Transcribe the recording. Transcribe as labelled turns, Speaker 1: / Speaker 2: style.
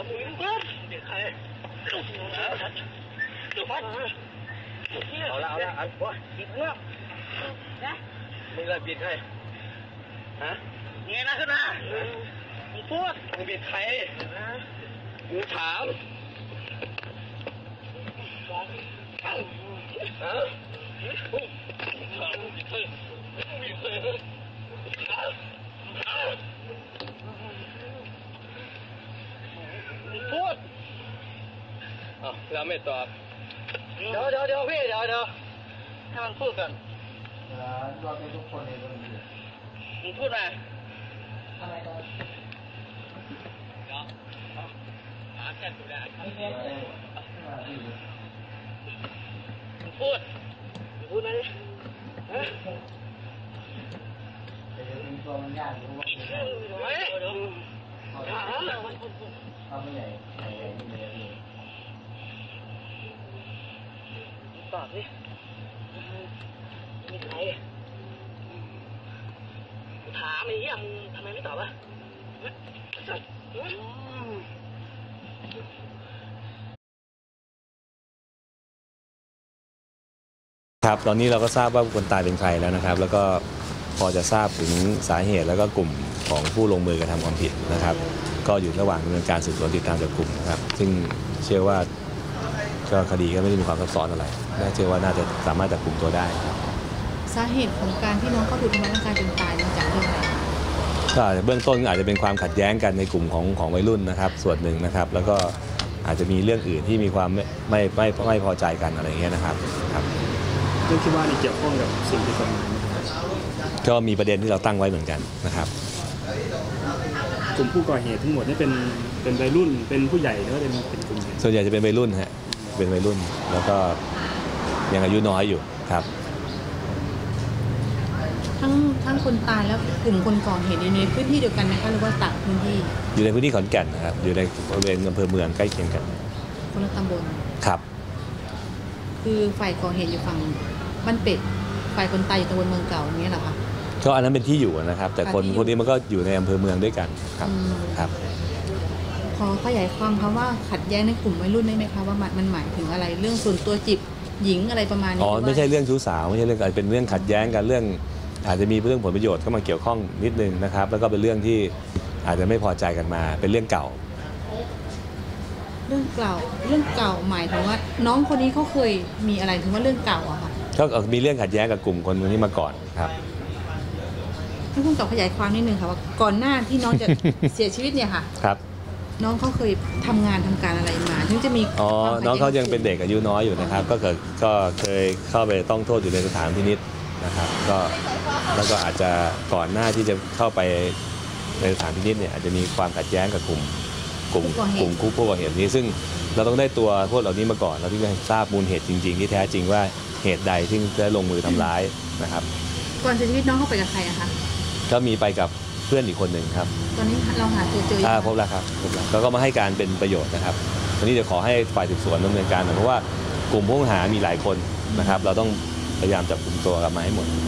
Speaker 1: เอาละอันวะปิดเนาะนะมึงเลยปิดให้ฮะเงี้ยนะขึ้นมามึงพูดมึงปิดใครมึงถามฮะพูดเราไม่ตอบเดี๋ยวพี่เดี๋ยวให้มันพูดกันเราเป็นทุกคนในวันนี้มึงพูดมาอะไรกันเนาะหาแค่ตัวได้มึงพูดมาดิฮะแต่เดี๋ยวเป็นตัวมันยากรู้ว่าเป็นเขาไม่ใหญ่ไม่ใหญ่ตอบดิมีใครถามไอ้เหี้ยมึงทำไมไม่ตอบวะ
Speaker 2: ครับตอนนี้เราก็ทราบว่าคนตายเป็นใครแล้วนะครับแล้วก็พอจะทราบถึงสาเหตุแล้วก็กลุ่มของผู้ลงมือกระทำความผิดนะครับก็อยู่ระหว่างดำเนินการสืบสวนติดตามจับกลุ่มนะครับซึ่งเชื่อว่าก็คดีก็ไม่ได้มีความซับซ้อนอะไรน่าเชื่อว่าน่าจะสามารถจับกลุ่มตัวได้ครับ
Speaker 3: สาเหตุของการที่น้องเขาถูกทำร้ายร่างกายจนตายมาจากเรื่องอะไร
Speaker 2: ก็เบื้องต้นอาจจะเป็นความขัดแย้งกันในกลุ่มของวัยรุ่นนะครับส่วนหนึ่งนะครับแล้วก็อาจจะมีเรื่องอื่นที่มีความไม่พอใจกันอะไรเงี้ยนะครับ
Speaker 4: เรื่องที่ว่านี่เกี่ยวข้องกับสิ่งที่กฎหมาย
Speaker 2: ก็มีประเด็นที่เราตั้งไว้เหมือนกันนะครับ
Speaker 4: กลุ่มผู้ก่อเหตุทั้งหมดนี่เป็นวัยรุ่นเป็นผู้ใหญ่หรือว่าเป็นกลุ่ม
Speaker 2: ส่วนใหญ่จะเป็นวัยรุ่นฮะเป็นวัยรุ่นแล้วก็ยังอายุน้อยอยู่ครับ
Speaker 3: ทั้งคนตายแล้วกลุ่มคนก่อเหตุในพื้นที่เดียวกันนะคะหรือว่าต่างพื้นที่
Speaker 2: อยู่ในพื้นที่ขอนแก่นนะครับอยู่ในบริเวณอำเภอเมืองใกล้เคียงกัน
Speaker 3: คนละตำบล
Speaker 2: ครับ
Speaker 3: คือฝ่ายก่อเหตุอยู่ฝั่งบ้านเป็ดฝ่ายคนตายอยู่ตำบลเมืองเก่าอย่างนี้เหรอคะ
Speaker 2: ก็อันนั้นเป็นที่อยู่นะครับแต่คนนี้มันก็อยู่ในอำเภอเมืองด้วยกันครับ
Speaker 3: ขอขยายความคำว่าขัดแย้งในกลุ่มวัยรุ่นได้ไหมคะว่ามันหมายถึงอะไรเรื่องส่วนตัวจิบหญิงอะไรประมาณนี้
Speaker 2: ไม่ใช่เรื่องชู้สาวไม่ใช่เรื่องอะไรเป็นเรื่องขัดแย้งกันเรื่องอาจจะมีเรื่องผลประโยชน์เข้ามาเกี่ยวข้องนิดนึงนะครับแล้วก็เป็นเรื่องที่อาจจะไม่พอใจกันมาเป็นเรื่องเก่า
Speaker 3: เรื่องเก่าหมายถึงว่าน้องคนนี้เขาเคยมีอะไรถึงว่าเรื่องเก่าอะค่ะ
Speaker 2: ก็มีเรื่องขัดแย้งกับกลุ่มคนนี้มาก่อนครับ
Speaker 3: ให้คุณขยายความนิดนึงค่ะว่าก่อนหน้าที่น้องจะเสียชีวิตเนี่ยค่ะ
Speaker 2: ครับ
Speaker 3: น้องเขาเคยทำการอะไรมาถึงจะมี
Speaker 2: น้องเขายังเป็นเด็กอายุน้อยอยู่นะครับก็เคยเข้าไปต้องโทษอยู่ในสถานพินิจนะครับแล้วก็อาจจะก่อนหน้าที่จะเข้าไปในสถานพินิจเนี่ยอาจจะมีความขัดแย้งกับกลุ่มผู้ก่อเหตุนี้ซึ่งเราต้องได้ตัวพวกเหล่านี้มาก่อนเราถึงจะทราบมูลเหตุจริงๆที่แท้จริงว่าเหตุใดที่ได้ลงมือทำร้ายนะครับ
Speaker 3: ก่อนเสียชีวิตน้องเข้าไปกับใครอะคะ
Speaker 2: ก็มีไปกับเพื่อนอีกคนหนึ่งครับ
Speaker 3: ตอนนี้เราหาตัวเจอ
Speaker 2: พบแล้วครับแล้วก็มาให้การเป็นประโยชน์นะครับวันนี้จะขอให้ฝ่ายสืบสวนดำเนินการเพราะว่ากลุ่มผู้ต้องหามีหลายคนนะครับเราต้องพยายามจับกลุ่มตัวกันมาให้หมด